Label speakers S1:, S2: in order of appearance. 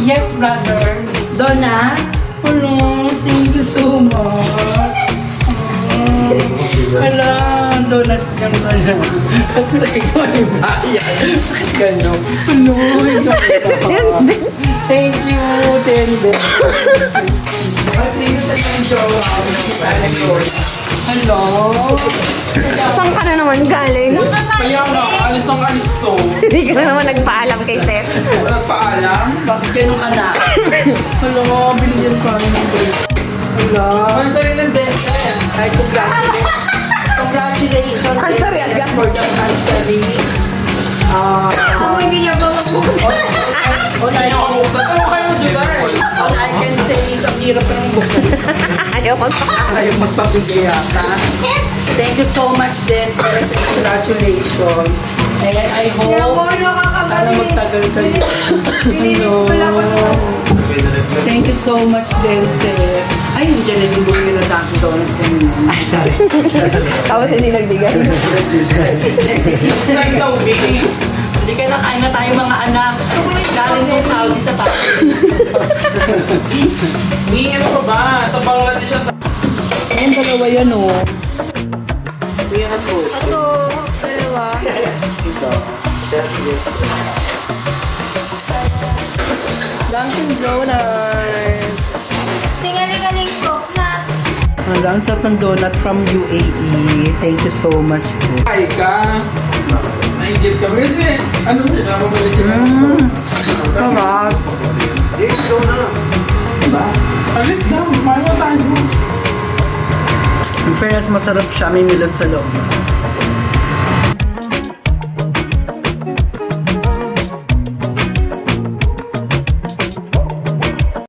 S1: Yes, brother. Donna? Hello, thank you so much. Hala, donut yung sana. At ito ay bayan. Bakit gano'n? Hello, thank you, Tende. Please, enjoy. Hello.
S2: Saan ka na naman galing?
S3: Kaya nga, alis ng alis to.
S2: Hindi ka na naman nagpaalam kay Seth.
S3: Wala paalam.
S1: Bakit gano'n ka na? Hello, binigyan ko ng birthday. Hello.
S3: Ang sarili ng benta yan.
S1: Ay, congratulations.
S2: Ang sorry, agad.
S1: For the anniversary.
S2: Kung hindi niya ba magbukas?
S1: All
S3: Ano kayo mo, July?
S1: I can say, ang hirap ng buksan.
S2: Ayaw magpaalam.
S1: Ayaw magpapigay yata. Thank you so much, Denver. Congratulations. And I hope sana magtagal kayo. Hello. Thank you so much, Denzel. Ay, hindi dyan yung bumili na Dunkin' Donuts kanina. Ay, sorry.
S2: Tapos hindi nagbigay.
S3: Sila yung tawbi.
S1: Hindi kayo nakain na tayo mga anak. Galing tong Saudi sa Pakistan.
S3: Hindi, ano ba? Sa Bangladesh siya.
S1: Ayun, dalawa yan, oh. Ito yung aso.
S2: Ito, dalawa.
S1: Ito. Dunkin' Donuts.
S2: Tingaling-aling po na.
S1: Ang sarap ng donut from UAE. Thank you so much po.
S3: Ay ka. Nainggit ka. Kasi, ano sila? Mamali sila.
S1: Sarap. Diba?
S3: Alit lang. Paano tayo?
S1: In fairness, masarap siya. May milot sa loob.